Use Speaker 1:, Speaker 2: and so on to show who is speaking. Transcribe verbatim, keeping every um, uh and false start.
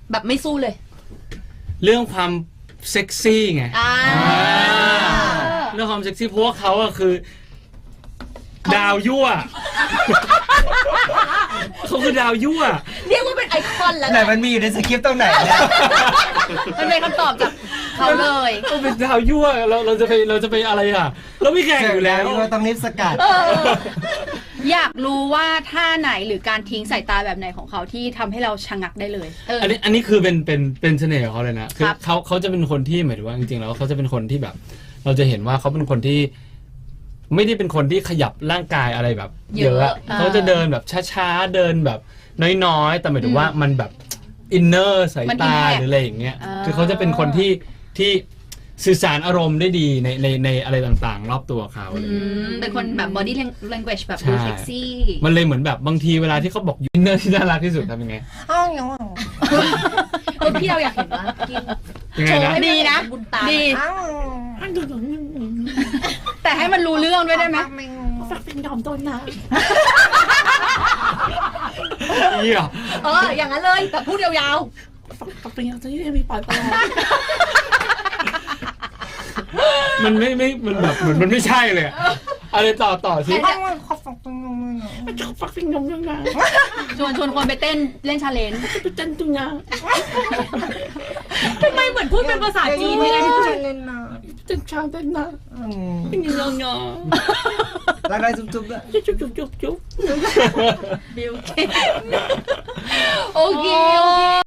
Speaker 1: แบบไม่สู้เลย
Speaker 2: เรื่องความเซ็กซี่ไง
Speaker 1: อ่า
Speaker 2: เรื่องความเซ็กซี่เพราะว่าเขาอะคือ ดาวยั่วเขาคือดาวยั่ว
Speaker 1: เรียกว่าเป็นไอคอนแล้ว
Speaker 3: ไหนมันมีอยู่ในสคริปต์ตรงไหนเนี่ย
Speaker 1: มันเป็นคำตอบจากเขาเลย
Speaker 2: เขาเป็นดาวยั่วเราเราจะไปเราจะไปอะไรอ่ะ เราไม่แข่งอยู่แล้ว
Speaker 3: เราต้องรีบสกัด
Speaker 4: อยากรู้ว่าท่าไหนหรือการทิ้งสายตาแบบไหนของเขาที่ทำให้เราชะงักได้เลย
Speaker 1: เออ
Speaker 2: อันนี้อันนี้คือเป็นเป็นเป็นเสน่ห์ของเขาเลยนะคือ
Speaker 1: ครับ
Speaker 2: เขาเขาจะเป็นคนที่หมายถึงว่าจริงๆแล้วเขาจะเป็นคนที่แบบ เราจะเห็นว่าเขาเป็นคนที่ ไม่ได้เป็นคนที่ขยับร่างกายอะไรแบบเยอะอะเขาจะเดินแบบช้าๆเดินแบบน้อยๆแต่หมายถึงว่ามันแบบอินเนอร์สายตาหรืออะไรอย่างเงี้ยคือเขาจะเป็นคนที่ที่สื่อสารอารมณ์ได้ดีในในในอะไรต่างๆ รอบตัวเขาอะไรอย่าง
Speaker 1: อื
Speaker 2: เงี้ย
Speaker 1: มเป็นคนแบบ body language แบบ
Speaker 2: ใช่
Speaker 1: ดูเซ็กซี่
Speaker 2: มันเลยเหมือนแบบบางทีเวลาที่เขาบอกอินเนอร์ที่น่ารักที่สุดทำยังไง
Speaker 1: เออพี่เราอยากเห็นว่ากิน
Speaker 2: ยังไงนะ
Speaker 4: ดีนะ
Speaker 1: บุญตา
Speaker 4: ดี แต่ให้มันรู้เรื่องด้วยได้ไหม
Speaker 1: ฝักเป็นยอมต้นนะ
Speaker 2: เหี้ย
Speaker 1: เอออย่างนั้นเลยแต่พูดยาว
Speaker 5: ฝักเป็นยังจะยังมีปล่อยปลา
Speaker 2: มันไม่ไม่มันแบบเหมือนมันไม่ใช่เลยอะอะไรต่อต่อสิ
Speaker 5: ฝักเป็นยมยังไง
Speaker 4: ชวนชวนคนไปเต้นเล่นชาเลนจ์
Speaker 5: ไปเต้นตุงยา
Speaker 1: ๆทำไมเหมือนพูดเป็นภาษาจีนเลย
Speaker 5: เต้นชาเต้นนะเป็นยังยัง
Speaker 3: รักได้จุ๊บๆด้วย
Speaker 5: จุ๊บจุ๊บจุ๊บจุ๊บ
Speaker 1: บิวเกโอเคโอเค